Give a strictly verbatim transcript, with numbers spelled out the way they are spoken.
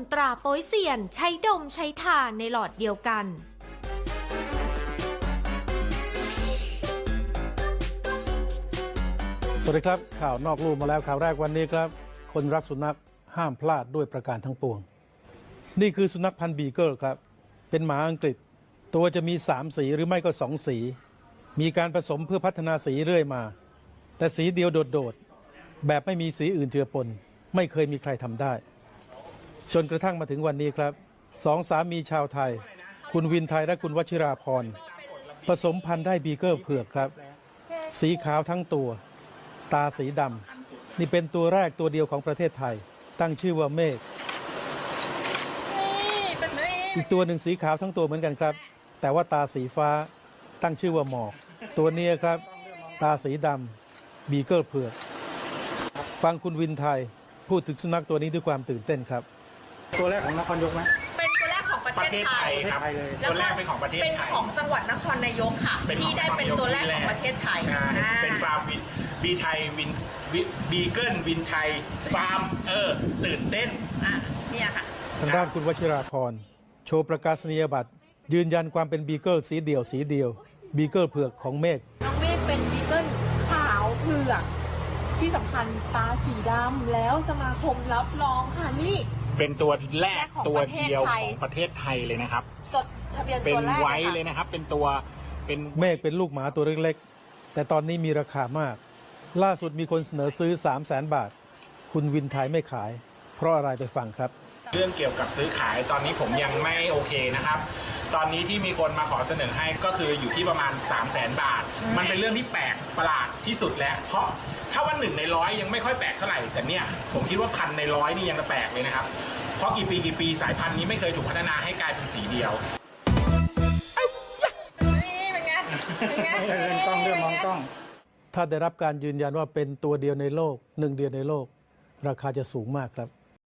ตราโป๊ยเซียนใช้ดมใช้ทาในหลอดเดียวกันสวัสดีครับข่าวนอกลู่มาแล้วข่าวแรกวันนี้ครับคนรักสุนัขห้ามพลาดด้วยประการทั้งปวงนี่คือสุนัขพันธุ์บีเกิลครับเป็นหมาอังกฤษตัวจะมีสามสีหรือไม่ก็สองสีมีการผสมเพื่อพัฒนาสีเรื่อยมาแต่สีเดียวโดดๆแบบไม่มีสีอื่นเจือปนไม่เคยมีใครทำได้จนกระทั่งมาถึงวันนี้ครับสองสามีชาวไทยคุณวินไทยและคุณวชิราพรผสมพันธุ์ได้บีเกิลเผือกครับสีขาวทั้งตัวตาสีดำนี่เป็นตัวแรกตัวเดียวของประเทศไทยตั้งชื่อว่าเมฆอีกตัวหนึ่งสีขาวทั้งตัวเหมือนกันครับแต่ว่าตาสีฟ้าตั้งชื่อว่าหมอกตัวนี้ครับตาสีดำบีเกิลเผือกฟังคุณวินไทยพูดถึงสุนัขตัวนี้ด้วยความตื่นเต้นครับตัวแรกของนครยกไหมเป็นตัวแรกของประเทศไทยครับตัวแรกเป็นของประเทศไทยเป็นของจังหวัดนครนายกค่ะที่ได้เป็นตัวแรกของประเทศไทยเป็นฟาร์มวินบีไทยวินบีเกิลวินไทยฟาร์มเออตื่นเต้นอ่ะเนี่ยค่ะทางด้านคุณวชิราพรโชว์ประกาศนียบัตรยืนยันความเป็นบีเกิลสีเดี่ยวสีเดียวบีเกิลเผือกของเมฆน้องเมฆเป็นบีเกิลขาวเผือกที่สำคัญตาสีดำแล้วสมาคมรับรองค่ะนี่เป็นตัวแรกตัวเดียวของประเทศไทยเลยนะครับจดทะเบียนเป็นตัวแรกไว้เลยนะครับเป็นตัวเป็นเมฆเป็นลูกหมาตัวเล็กๆแต่ตอนนี้มีราคามากล่าสุดมีคนเสนอซื้อ สามแสน บาทคุณวินไทยไม่ขายเพราะอะไรไปฟังครับเรื่องเกี่ยวกับซื้อขายตอนนี้ผมยังไม่โอเคนะครับตอนนี้ที่มีคนมาขอเสนอให้ก็คืออยู่ที่ประมาณ สามแสน บาทมันเป็นเรื่องที่แปลกประหลาดที่สุดแล้วเพราะถ้าว่าหนึ่งในร้อยยังไม่ค่อยแปลกเท่าไหร่แต่เนี่ยผมคิดว่าพันในร้อยนี่ยังแปลกเลยนะครับเพราะกี่ปีกี่ปีสายพันธุ์นี้ไม่เคยถูกพัฒนาให้กลายเป็นสีเดียวนี่เป็นไงเป็นไงเรื่องกล้องเรื่องมองกล้องถ้าได้รับการยืนยันว่าเป็นตัวเดียวในโลกหนึ่งเดียวในโลกราคาจะสูงมากครับ